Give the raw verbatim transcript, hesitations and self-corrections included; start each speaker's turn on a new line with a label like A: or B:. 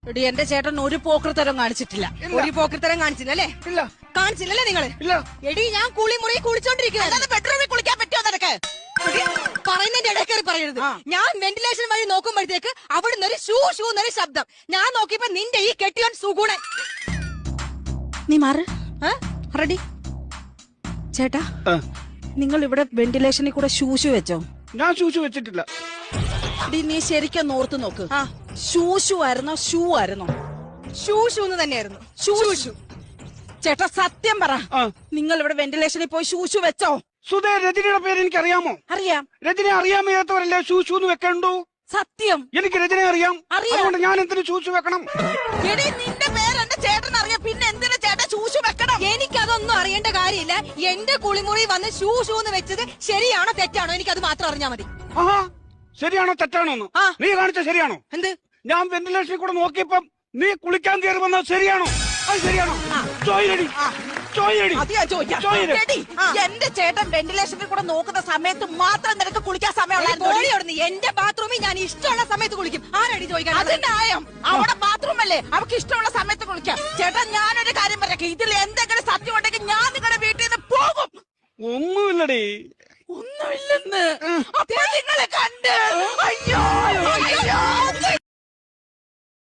A: എടി എന്റെ ചേട്ടൻ ഒരു പോക്കൃത്തരം കാണിച്ചിട്ടില്ല.
B: ഒരു പോക്കൃത്തരം കാണിച്ചില്ല അല്ലേ?
C: ഇല്ല.
B: കാണിച്ചില്ലല്ലേ നിങ്ങള്?
C: ഇല്ല.
B: എടി ഞാൻ കുളി മുറി കുളിച്ചോണ്ടിരിക്കുക.
A: ബെഡ്റൂമിൽ കുളിക്കാൻ പറ്റുമോ നിനക്ക്?
B: പറയുന്നതിന്റെ ഇടയ്ക്കേറി പറയരുത്. ഞാൻ വെന്റിലേഷൻ വഴി നോക്കുമ്പോഴത്തേക്ക് അവിടുന്ന് ഒരു ഷൂ ഷൂ എന്നൊരു ശബ്ദം. ഞാൻ നോക്കിയപ്പോ നിന്റെ ഈ കെട്ടിയോൻ സുഗുണൻ.
A: നീ മാറ്. റെഡി ചേട്ടാ, നിങ്ങൾ ഇവിടെ വെന്റിലേഷനിൽ കൂടെ ഷൂഷു വെച്ചോ?
C: ഞാൻ ഷൂഷു വെച്ചിട്ടില്ല.
A: ഡി നീ ശരിക്കും ഓർത്ത് നോക്ക്. ഷൂഷു ആയിരുന്നോ ഷൂ ആയിരുന്നോ?
B: ഷൂ ഷൂ എന്ന് തന്നെയായിരുന്നു.
A: ഷൂ ഷൂ. ചേട്ടാ സത്യം പറ, നിങ്ങൾ ഇവിടെ വെന്റിലേഷനിൽ പോയി ഷൂഷു വെച്ചോ?
C: സുധേ, രജനിയുടെ പേര് എനിക്ക് അറിയാമോ?
A: അറിയാം.
C: രജനെ അറിയാൻ വയ്യാത്തവരല്ലേ ഷൂഷു എന്ന് വെക്കണ്ടു?
A: സത്യം.
C: എനിക്ക് രജനെ അറിയാം. അതുകൊണ്ട് ഞാൻ എന്തിനു ഷൂഷു വെക്കണം?
A: എടി നിന്റെ പേര് എന്റെ ചേട്ടൻ അറിയാം, പിന്നെ എന്തിനാ ചേട്ടൻ ഷൂഷു വെക്കണം?
B: എനിക്കതൊന്നും അറിയേണ്ട കാര്യമില്ല. എന്റെ കുളിമുറി വന്ന് ഷൂ ഷൂ എന്ന് വെച്ചത് ശരിയാണോ തെറ്റാണോ എനിക്കത് മാത്രം അറിഞ്ഞാ മതി.
C: ആഹാ, ശരിയാണോ തെറ്റാണോ എന്ന് നീ കാണിച്ച ശരിയാണോ?
B: എന്ത്?
C: ഞാൻ വെന്റിലേഷനിൽ കൂടെ നോക്കിയപ്പം നീ കുളിക്കാൻ കയറി വന്നത് ശരിയാണോ? അത് ശരിയാണോ? ചോയിലടി ചോയിലടി
A: അത് ഞാൻ ചോദിക്കാം. എടി, എന്റെ ചേട്ടൻ വെന്റിലേഷനിൽ കൂടെ നോക്കുന്ന സമയത്ത് മാത്രം നിനക്ക് കുളിക്കാൻ സമയമുള്ള
B: എന്റെ ബാത്റൂമിൽ ഞാൻ ഇഷ്ടമുള്ള സമയത്ത് കുളിക്കും. ആരടി ചോദിക്കാൻ?
A: അതിന്റെ ആയം അവിടെ ബാത്റൂം അല്ലേ, അവർക്ക് ഇഷ്ടമുള്ള സമയത്ത് കുളിക്കാം. ചേട്ടൻ ഞാനൊരു കാര്യം പറയാം, ഇതിൽ എന്തെങ്കിലും സത്യം ഉണ്ടെങ്കിൽ ഞാൻ നിങ്ങളുടെ വീട്ടിൽ നിന്ന് പോകും.
C: ഒന്നുമില്ലടി.
A: ഒന്നുമില്ലെന്ന് അപ്പൊ നിങ്ങളെ കണ്ട് അയ്യോ അയ്യോ